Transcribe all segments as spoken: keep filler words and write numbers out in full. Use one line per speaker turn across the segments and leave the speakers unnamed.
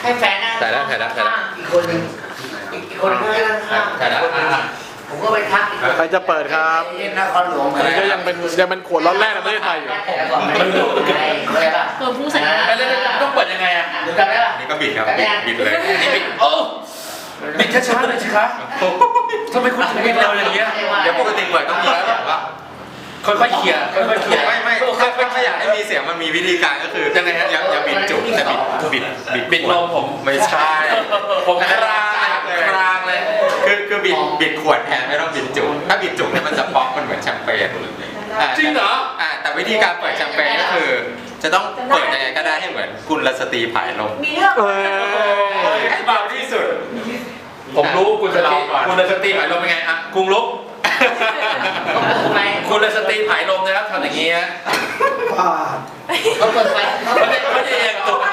ให้แฟนนะ
ถ่ายแล้วถ่ายแล้วถ่ายแล้ว
อีกคนนึงอีกคนนึงข้าง
ถ่ายแล้วอ่ะ
ผมก็ไปทักอีกคน
ใครจะเปิดครับ
นครหลวง
อันนี้ก็ยังเป็นยังเป็นขวดร้อนแรกในประเทศไทยอยู่
มันดูอะไรป่ะ
ตัวผู้ใส่
แล้วต้องเปิดยังไงอ่ะ
ดูกันได้ป่ะ
นี่ก็บิดครับบิดบิดเลย
นี่บิดโอ้บิดช้าๆเลยสิคะทำไมคุณถึงบิดเร็วอย่างเงี้ย
เดี๋ยวปกติเปิดต้องมีแล้วแบบว่า
ค่อยๆเคลียร์ค่อยๆเคลียร์
ไม่ไม่ถ้าถ้าอยากให้มีเสียงมันมีวิธีการก็คือ
ยังไงฮะ
อย่าอย่าบิดจุกแต่บิดบิดบิด
บิดลมผม
ไม่ใช่
ผมครางเลยครางเลย
คือคือบิดบิดขวดแทนไม่ต้องบิดจุกถ้าบิดจุกเนี่ยมันจะป๊อกมันเหมือนแชมเปญา
จริงเหรอ
อ่าแต่วิธีการเปิดแชมเปญก็คือ จะต้องเปิดยังไงก็ได้ให้เหมือนกุลสตรีผายลม
มีเรื่อง
เอ้ย
ให้เบาที่สุด
ผมรู้คุณสตรี
เราก่อน
คุณสตรีผายลมเป็นไงอ่ะกรุงลุกคุณสตรีผายลมนะครับทำอย่างนี้ฮะ
เขาเปิดไฟ
เขาจะเขาจะเอียงตุ่น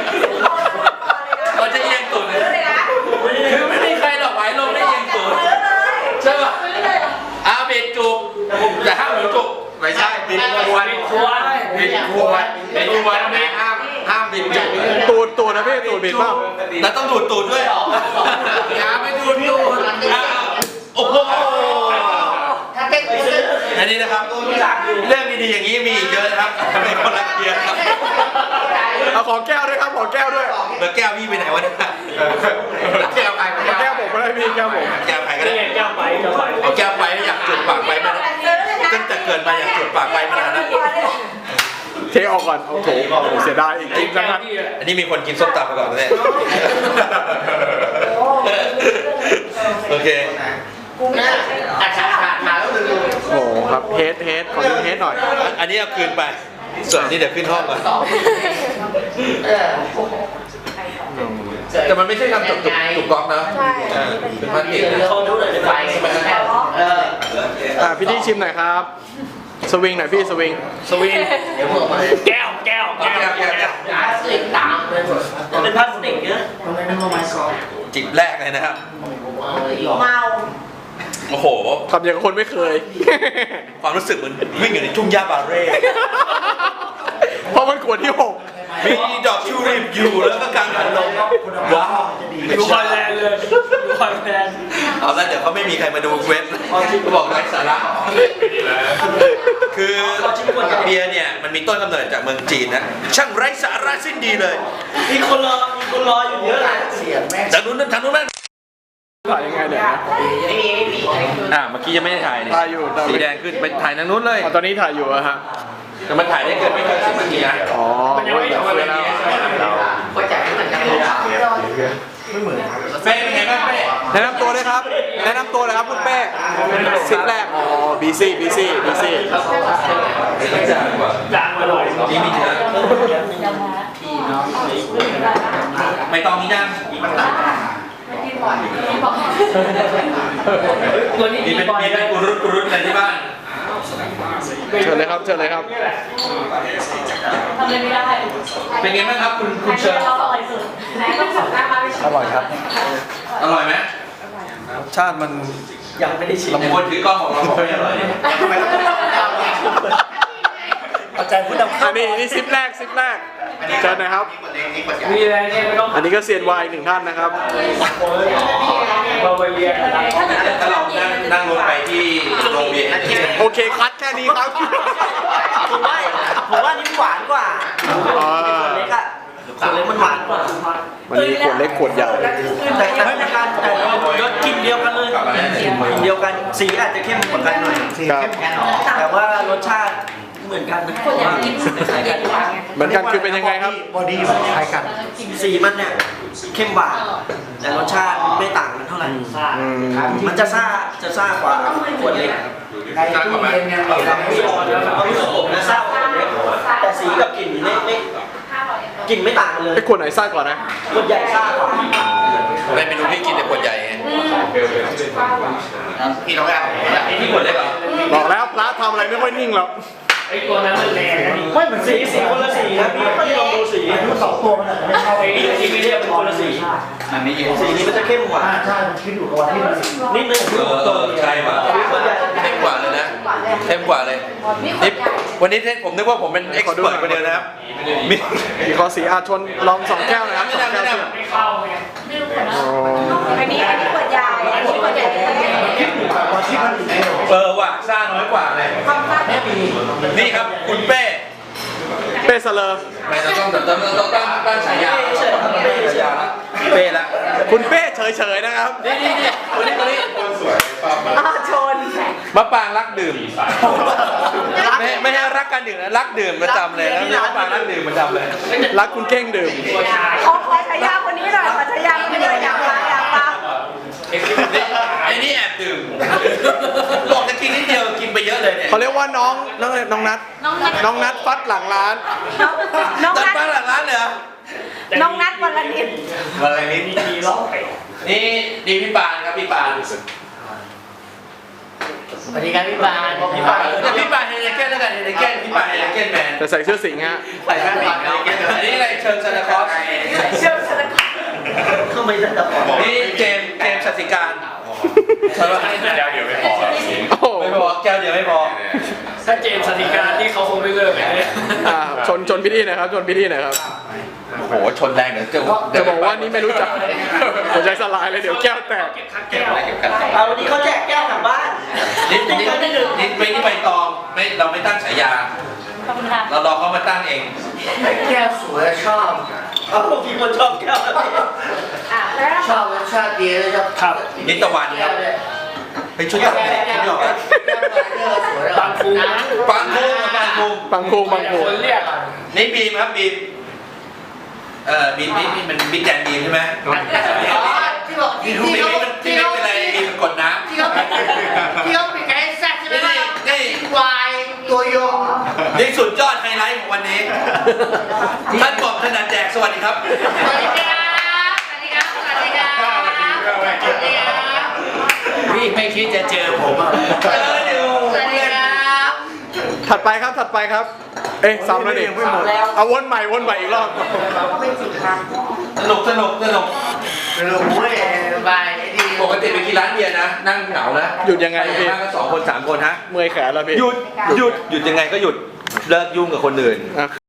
เขาจะเอียงตุ่นคือไม่มีใครหรอกผายลมได้เอียงตุ่นใช่ป่ะอาเบดจุกแต่ห้ามหนูจุก
ไม่ใช่บิดขวด
ควร
บิดขวดบิดขวดนี่ห้ามห้ามบิดจุก
ตูดตูดนะพี่ตูดบิดเปล่า
แล้วต้องดูดตูดด้วยอย่าไปดูดตูดโอ้โห
ถ้าเต้นกูจะ
อันนี้นะครับเรื่องดีๆอย่างนี้มีอีกเยอะนะครับในคนละเกียร์ครับ
เอาของแก้วด้วยครับของแก้วด้วย
แล้วแก้วพี่ไปไหนวะเนี่ยแก้วใคร
แก้วผมก็ได้พี่แก้วผม
แก้วใครก็ได้แก้วไปแก้วไปเอาแก้วไปอยากจุดปากไปมาตั้งแต่เกิดมาอยากจุดปากไปมานานแล้ว
เทออกก่อนโอ้โหเสียดายอีกจริงจังนั้น
อันนี้มีคนกินส้มตำมาก่อนเลยโอเค
น่าอาชาขาดมาแล้วดู
โอ้โหครับเฮดเฮดขอดูเฮดหน่อย
อันนี้เอาคืนไปส่วนนี้เดี๋ยวขึ้นห้องก่อน
เออ
แต่มันไม่ใช่ทำจุกจุกจุกก๊อกนะเป็นพลาสติก
เขาดูเลยไฟเออ
อ่าพี่ที่ชิมหน่อยครับสวิงหน่อยพี่สวิง
สวิง
เดี๋ยวพวกมา
แก้วแก้ว
แก้วแก้วแก้ว
หาสิ่งตามเลยหมด
เป็นพลาสติกเยอะ
ทำไมต้องมาไม้ซอ
จิบแรกเลยนะครับ
เอาเลยหรอ
เมา
โอ้โห
ทำอย่างกับคนไม่เคย
ความรู้สึกเหมือนวิ่งอยู่ในทุ่งหญ้าบาเร่
เพราะมันขวดที่หก
มีดอกชูริบอยู่แล้วก็กลางหันลมว้าว
ดูคอนแลนด์เลยดูคอนแลนด์
เอาละเดี๋ยวเขาไม่มีใครมาดูเว็บเขาบอกไร้สาระคือเบียร์เนี่ยมันมีต้นกำเนิดจากเมืองจีนนะช่างไร้สาระสิ้นดีเลย
มีคนรอมีคนรออยู่เยอะเลย
เสียงแม่ง
จากนู้นทางนู้นนั่น
ถ่ายยังไงเนี่ยนะ
ไม่มีไม่มีอะไรคือ
อ่าเมื่อกี้ยังไม่ได้ถ่ายนี่
ถ่ายอยู่แต่
สีแดงขึ้นไปถ่ายทางนู้นเลย
อ๋อตอนนี้ถ่ายอยู่อะฮะ
แต่มันถ่ายได้เกินไม่เกินสิบนาทีนะ
อ๋อเว้ยเดี๋ยวคุยแล้ว
ก็จะไม่เหมือนกันเลย
เป้เป็นไงบ้างเป้
แนะนำตัวเลยครับ แนะนำตัวเลยครับคุณเป้สิบแรก อ๋อ บีซี บีซี บีซี
จางมาหน่อย
นี่มีเนื้อ
พี่น้อง
ไม่ต้องมีย่าง
ตัวนี้
มี
มี
เป็น
บอย
มีเป็นกุรุตกุรุตอะไรที่บ้าน
เชิญเลยครับ เชิญเลยครับ
ทำอะไรไม่ได้
เป็นไงบ้างครับคุณคุณเชิญ
เราอร่อยสุดไหนต้องสั่งหน้ามาไปชิม
อร่อยครับ
อร่อยไหม
รสชาติมัน
ยังไม่ได้ชิม
ลำคนถือกล้องของเราบอกไม่อร่อย
ทำไมเราต้องเอาเนี่ย
เอาใจผู้นำ
อันนี้นี่ซิปแรกซิปแรกเชิญนะครับ
มีอะไรเนี่ยไม่ต้อง
อันนี้ก็เซียนวายอีกหนึ่งท่านนะครับ
มาไปเรียนนะครับ
ถ้าเรานั่งนั่งรถไปที่โรงเรียน
โอเคคัดแค่นี้ครับ
ผมว่าผมว่านี่หวานกว่า
อ่า
เล็กอะคนเล็กมันหวานกว่า
วันนี้ขวดเล็กขวดใหญ่
แต่แต่ไม่การแต่รสกลิ่นเดียวกันเลยกลิ่นเดียวกันสีอาจจะเข้มกว่ากันหน่อย
ครับ
แต่ว่ารสชาติเหมือนกันนะ
คนอยากกินคล้ายกัน
เหมือนกันคือเป็นยังไงครับ
บอดี้มันคล้ายกัน สีมันเนี่ยเข้มหวานแต่รสชาติไม่ต่างกันเท่าไหร่
อืม
มันจะซ่าจะซ่ากว่าขวดเล็ก
ในตู้เย็นยังมีอะไรไม่ออกเลย
เอาผสมและซ่ากว่าขวดเล็กแต่สีกับกลิ่นไม่ไม่กลิ่นไม่ต่างกันเลย
ไอ้ขวดไหนซ่ากว่านะ
ขวดใหญ่ซ่ากว่า
ในเมนูพี่กินแต่ขวดใหญ่ไง
พี่น้องเรา
ไอ้ที่ขวดเล็กเหรอ
บอกแล้วพระทำอะไรไม่ค่อยนิ่งหรอก
ไอ้ตัวนั้นมันแรงไม่เหมือนสีสีคนละสีนะพี่พี่ลองดูสีสองตัวมันอาจจะไม่เข้าไอ้นี่สีไม่เรียกเป็นคนละสี
อันนี้
สีนี้มันจะเข้มกว่า
ใช่มันขึ้นอยู่กับวันที่มัน
นิดนึง
เออเออใช่ป่ะ
ขวดใหญ่
เข้มกว่าเลยนะเข้มกว่าเลยนี่วันนี้ผมนึกว่าผมเป็นเอ็กซ์เพิร์คนเดียวนะครับมี
มีขอสีอาชนลองสองแก้วนะครับ
ไม่
สอง
นำ
แก้
ไม่
วน
ำ
ถูกกว่าที่มันอยู่ใน
เออว่ะสร้างน้อยกว่าเลยนี่ครับคุณเป้
เป้เสลอ
ไม่ต้องต้องต้องต้องต้องตั้งฉายาฉายาละเป้ละ
คุณเป้เฉยๆนะครับ
นี่นี่นี่คนนี้คนนี้
ชน
มะปรางรักดื่มไม่ไม่ให้รักการดื่มนะรักดื่มประจำเลยนะนี่มะปรางรักดื่มประจำเลย
รักคุณเก้งดื่ม
ขอขอฉายาคนนี้หน่อยขอฉายาคนนี้หน่อยอยากฟังอยากฟัง
นี่ไอ้นี่แอบดื่มบอกจะกินนิดเดียวกินไปเยอะเลยเนี่ย
เขาเรียกว่าน้องน้องน้องนัท
น้องนัท
น้องนัทฟัดหลังร้าน
น้อง
ตัด
นัท
มาหลังร้านเลยเหรอ
น้องนัทวันละนิด
อะไรนี่
มีร้องไป
นี่นี่พี่ปานครับพี่ปาน
สวัสดีครับพี่บานพี่บาน
เนี่ยพี่ปานเฮเนเก้นแล้วกันเฮเนเก้นพี่ปานเฮเนเก้นแมน
แต่ใส่เสื้อสิงห์ฮะ
ใส่แว่นดำเฮเนเก้นอันนี้อะไรเชิญซานตาคลอส
เชื่อมสลัก
เข้าไม่ได้แต่พอ
นี่เจมส์เจมส์สัตสิการใช่ปะ
เดี๋ยวเดี๋ยวไม่พอ
โอ้โห
ไม่พอแก้วเดียวไม่พอ
ถ้าเจมส์สติการที่เขาคงไม่เลิกเลยเนี่ย
อ่าชนชนพิธีหนะครับชนพิธีหนะครับ
โอ้โหชนแรงเดี๋ยวจะ
จะบอกว่านี่ไม่รู้จักหัวใจสลายเลยเดี๋ยวแก้วแตก
แก้ว
เก็บกัน
เอาวันนี้เขาแจกแก้วกลับบ้าน
นิดนิดนิดไม่นี่ใบตองไม่เราไม่ตั้งฉายา
ขอบคุณค่ะ
เรารอเขามาตั้งเอง
แก้วสวยชอบเอามีคนชอบแก้ว
อ่ะแล้ว
ชอบชอบดีเลยชอบ
ครับ
นิตตะวันครับไปชุดตัดเด็กชุดหยอกครับ
บางฟูนะ
ปังคูปังคู
บางคูบางคู
คนเรียก
นี่บีมครับบีมเอ่อบีมนี่นี่มันบิ๊กแดนบีมใช่ไหม
ที่บอก
บี
ที่
ม
ที่
นี่
เขา
มันที่
ที่
ไม่
เขา
เป็นไรบีมมันกดน้ำ
ที่เขาที่เขาเป็นไก่แซ่บใช่ไหม
นี่
ล่ะ
นี่
วายตัวโยง
นี่สุดยอดไฮไลท์ของวันนี้ท่านบอกขนาดแจกสวัสดีครับ
สวัสดีครับสวัสดีครับสวัสดีครับสวัสดีครับ
พี่ไม่คิดจะเจอผมอ่ะเจออยู่
สวัสดีครับ
ถัดไปครับถัดไปครับ เอ๊ะซ้ำแล้วนี่เอาวนใหม่วนใหม่อีกรอบ
สนุกสนุกสนุก
รู้เว้ยบายดี
ปกติไปกินร้านเบียร์นะ นั่งเหงานะ
หยุดยังไง
ไป
พี่
มากก็สองคนสามคนฮะ
เมื่อยแขนแล้วพี่
หยุดหยุดหยุดยังไงก็หยุดเลิกยุ่งกับคนอื่น
อ่ะ